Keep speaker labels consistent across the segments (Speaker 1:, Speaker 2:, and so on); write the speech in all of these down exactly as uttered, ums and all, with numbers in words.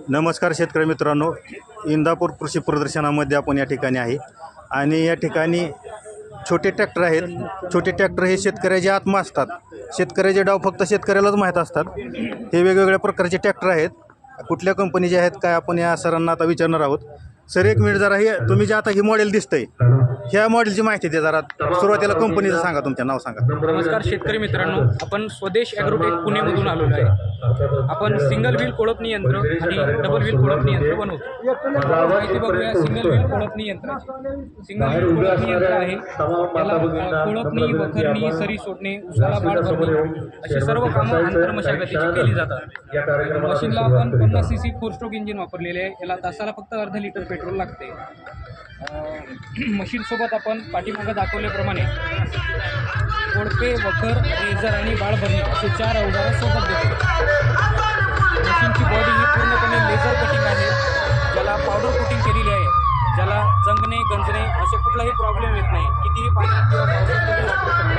Speaker 1: नमस्कार शेतकरी मित्रांनो, इंदापूर कृषी प्रदर्शनामध्ये आपण या ठिकाणी आहे आणि या ठिकाणी छोटे ट्रॅक्टर आहेत. छोटे ट्रॅक्टर हे शेतकऱ्याचे आत्मा असतात. शेतकऱ्याचे डाव फक्त शेतकऱ्यालाच माहीत असतात. हे वेगवेगळ्या प्रकारचे ट्रॅक्टर आहेत. कुठल्या कंपनीचे आहेत काय आपण या सरांना आता विचारणार आहोत. सर एक मिनिट जरा, हे तुम्ही जे आता ही मॉडेल दिसतंय ह्या मॉडेलची माहिती द्या जरा. सुरुवातीला कंपनीचं सांगा, तुमचं नाव सांगा.
Speaker 2: नमस्कार शेतकरी मित्रांनो, आपण स्वदेश ॲग्रोटेक पुणेमधून आलेलो आहे. आपण सिंगल व्हील कोळपणी यंत्र आणि डबल व्हील कोळपणी यंत्र बनवतो. माहिती बघूया सिंगल व्हील कोळपणी यंत्राची. सिंगल व्हील कोळपणी यंत्र आहे, त्याला कोळपणी, वखरणी, सरी सोडणे, उसाला बाळ भरणे अशी सर्व कामं आंतरमशागतीची केली जातात. मशीनला आपण पन्नास C C four stroke engine वापरलेले आहे. याला तासाला फक्त अर्धा लिटर पेट्रोल लागते. मशीनसोबत आपण पाठीमागं दाखवल्याप्रमाणे कोळपे, वखर, रेझर आणि बाळ भरणी असे चार अवजारं सोबत देतो. मशीनची बॉडी ही पूर्णपणे लेझर कटिंग आहे, ज्याला पावडर कोटिंग केलेली आहे, ज्याला जंगणे, गंजणे असे कुठलाही प्रॉब्लेम येत नाही. कितीही पाणी किंवा पावडर तुम्ही वापरू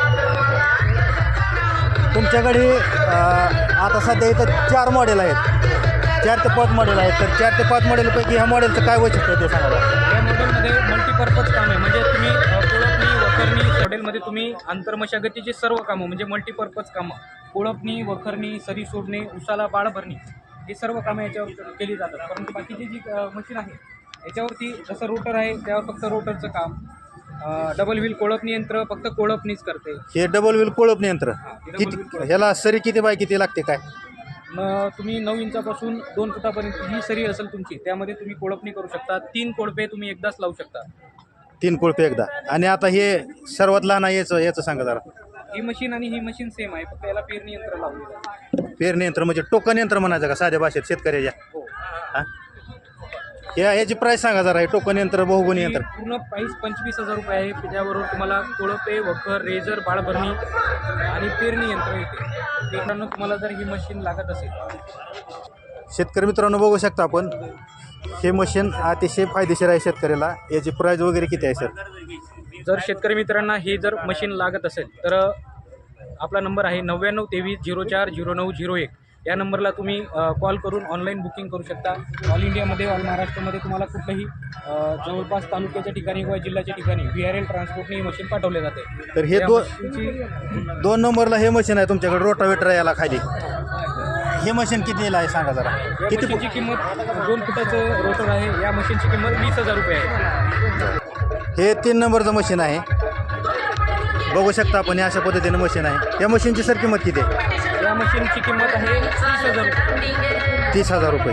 Speaker 2: शकता.
Speaker 1: तुमच्याकडे आता सध्या इथं चार मॉडेल आहेत, चार ते पाच मॉडेल आहेत. तर चार ते पाच मॉडेलपैकी ह्या मॉडेलचं काय वैशिष्ट्य ते सांगा.
Speaker 2: या मॉडेलमध्ये मल्टीपर्पज काम आहे, म्हणजे तुम्ही कोळपणी, वखरणी मॉडेलमध्ये तुम्ही आंतरमशागतीची सर्व कामं म्हणजे मल्टीपर्पज कामं, कोळपणी, वखरणी, सरी सोडणे, उसाला बाळ भरणी हे सर्व कामं याच्यावर केली जातात. परंतु बाकीची जी मशीन आहे याच्यावरती जसं रोटर आहे त्यावर फक्त रोटरचं काम. डबल व्हील कोळपणी यंत्र फक्त कोळपणीच करते.
Speaker 1: हे डबल व्हील कोळपणी यंत्र किती, ह्याला सरी किती बाय किती लागते काय?
Speaker 2: मग तुम्ही नऊ इंचापासून दोन फुटापर्यंत ही सरी असेल तुमची, त्यामध्ये तुम्ही कोळपणी करू शकता. तीन कोळपे तुम्ही एकदाच लावू शकता.
Speaker 1: तीन कोळपे एकदा. आणि आता हे सर्वात लहान आहे याचं याचं सांगा जरा.
Speaker 2: ही मशीन आणि ही मशीन सेम आहे, फक्त याला पेरणी यंत्र लावलेलं आहे.
Speaker 1: पेरणी यंत्र म्हणजे टोकन यंत्र म्हणायचं का साध्या भाषेत शेतकऱ्याच्या?
Speaker 2: हो.
Speaker 1: हां, या ह्याची प्राईस सांगा जरा. हे टोकन यंत्र, बहुगुणी यंत्र
Speaker 2: पूर्ण प्राईस पंचवीस हजार रुपये आहे. त्याच्याबरोबर तुम्हाला कोळपे, वखर, रेझर, बाळभरणी आणि पेरणी यंत्र येते. मित्रांनो, तुम्हाला जर ही मशीन लागत असेल,
Speaker 1: शेतकरी मित्रांनो बघू शकता आपण, हे मशीन अतिशय फायदेशीर आहे शेतकऱ्याला. याची प्राईस वगैरे किती आहे सर?
Speaker 2: जर शेतकरी मित्रांना हे जर मशीन लागत असेल तर आपला नंबर आहे नव्याण्णव तेवीस झिरो चार झिरो नऊ झिरो एक. या नंबरला तुम्ही कॉल करून ऑनलाईन बुकिंग करू शकता. ऑल इंडियामध्ये, ऑल महाराष्ट्रामध्ये तुम्हाला कुठलंही जवळपास तालुक्याच्या ठिकाणी किंवा जिल्ह्याच्या ठिकाणी व्ही आर एल ट्रान्सपोर्टने ही मशीन पाठवले जाते.
Speaker 1: तर हे दोन दोन नंबरला हे मशीन आहे तुमच्याकडे, रोटावेटर याला खाली. हे मशीन कितीला आहे सांगा जरा.
Speaker 2: किती मशीनची किंमत दोन फुटाचं रोटर आहे. या मशीनची किंमत वीस हजार रुपये आहे.
Speaker 1: हे तीन नंबरचं मशीन आहे, बघू शकता आपण. हे अशा पद्धतीनं मशीन आहे. या मशीनची सर किंमत किती आहे?
Speaker 2: या मशीनची किंमत आहे तीस हजार रुपये.
Speaker 1: तीस हजार रुपये.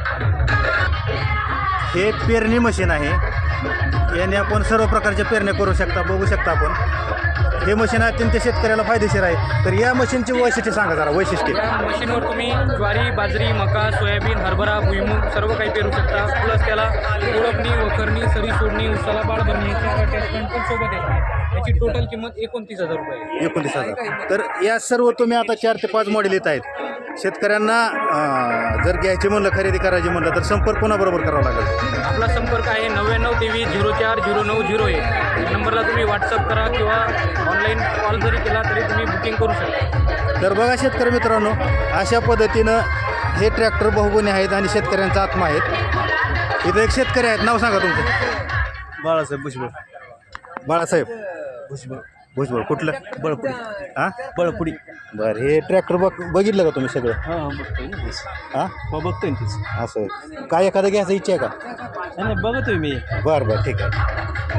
Speaker 1: हे पेरणी मशीन आहे. याने आपण सर्व प्रकारच्या पेरण्या करू शकता, बघू शकता आपण. हे मशीन अत्यंत शेतकऱ्याला फायदेशीर आहे. तर या मशीनची वैशिष्ट्य सांगा जरा. वैशिष्ट्य,
Speaker 2: या मशीनवर तुम्ही ज्वारी, बाजरी, मका, सोयाबीन, हरभरा, भुईमूग सर्व काही पेरू शकता. प्लस त्याला कोळपणी, वखरणी, सरी सोडणी, उसाला बाळ भरणी याची अटॅचमेंट पण सोबत येते. याची टोटल किंमत एकोणतीस हजार रुपये आहे.
Speaker 1: एकोणतीस हजार. तर या सर्व तुम्ही आता चार ते पाच मॉडेल येत आहेत. शेतकऱ्यांना जर घ्यायची म्हणलं, खरेदी करायची म्हणलं तर संपर्क कोणाबरोबर करावा लागेल?
Speaker 2: आपला संपर्क आहे नव्याण्णव तेवीस झिरो चार झिरो नऊ झिरो एक. या नंबरला तुम्ही व्हॉट्सअप करा किंवा ऑनलाईन कॉल जरी केला तरी तुम्ही बुकिंग करू शकता.
Speaker 1: तर बघा शेतकरी मित्रांनो, अशा पद्धतीनं हे ट्रॅक्टर बहुगुणी आहेत आणि शेतकऱ्यांचा आत्मा आहेत. इथं एक शेतकरी आहेत, नाव सांगा तुमचं.
Speaker 3: बाळासाहेब भुजबळ.
Speaker 1: बाळासाहेब
Speaker 3: भुजबळ.
Speaker 1: भुजबळ. कुठलं?
Speaker 3: बळपुडी.
Speaker 1: हां,
Speaker 3: बळपुडी.
Speaker 1: बरं. हे ट्रॅक्टर बघ बघितलं का तुम्ही सगळं?
Speaker 3: हां बघतोय ना तेच.
Speaker 1: हां,
Speaker 3: हो बघतोय ना तेच.
Speaker 1: असं आहे. काय एखादं घ्यायचं इच्छा आहे का?
Speaker 3: नाही बघतोय मी.
Speaker 1: बरं बरं, ठीक आहे.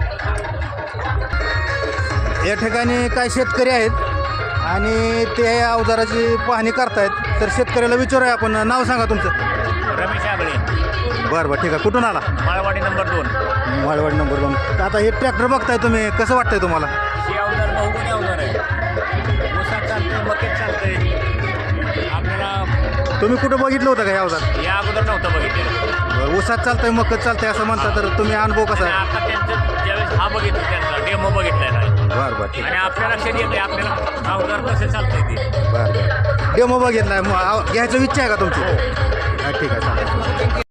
Speaker 1: या ठिकाणी काय शेतकरी आहेत आणि ते अवजाराची पाहणी करतायत. तर शेतकऱ्याला विचारूया आपण. नाव सांगा तुमचं.
Speaker 4: रमेश आगळे,
Speaker 1: बरं बरं, ठीक आहे. कुठून आला?
Speaker 4: माळवाडी नंबर दोन.
Speaker 1: माळवाडी नंबर दोन. तर आता हे ट्रॅक्टर बघताय तुम्ही, कसं वाटतंय तुम्हाला?
Speaker 4: हे अवजार बहुगुणी अवजार आहे. ऊसात चालतंय, मक्यात चालतंय. आपल्याला
Speaker 1: तुम्ही कुठं बघितलं होतं का हे अवजार?
Speaker 4: या अगोदर नव्हतं बघितलेलं.
Speaker 1: ऊसात चालतंय, मकत चालतंय असं म्हणता. तर तुम्ही अनुभव कसा
Speaker 4: आणि
Speaker 1: आहे?
Speaker 4: आता त्यांचं ज्यावेळेस हा बघितलं, त्यांचा डेमो बघितलेला आहे.
Speaker 1: बरं बरं, ठीक
Speaker 4: आणि
Speaker 1: आहे.
Speaker 4: आपल्या लक्षात येते आपल्याला अवजार कसं चालतंय ते.
Speaker 1: बरं बरं, डेमो बघितलाय. मग घ्यायचं इच्छा आहे का तुमची? हां, ठीक आहे, चालेल.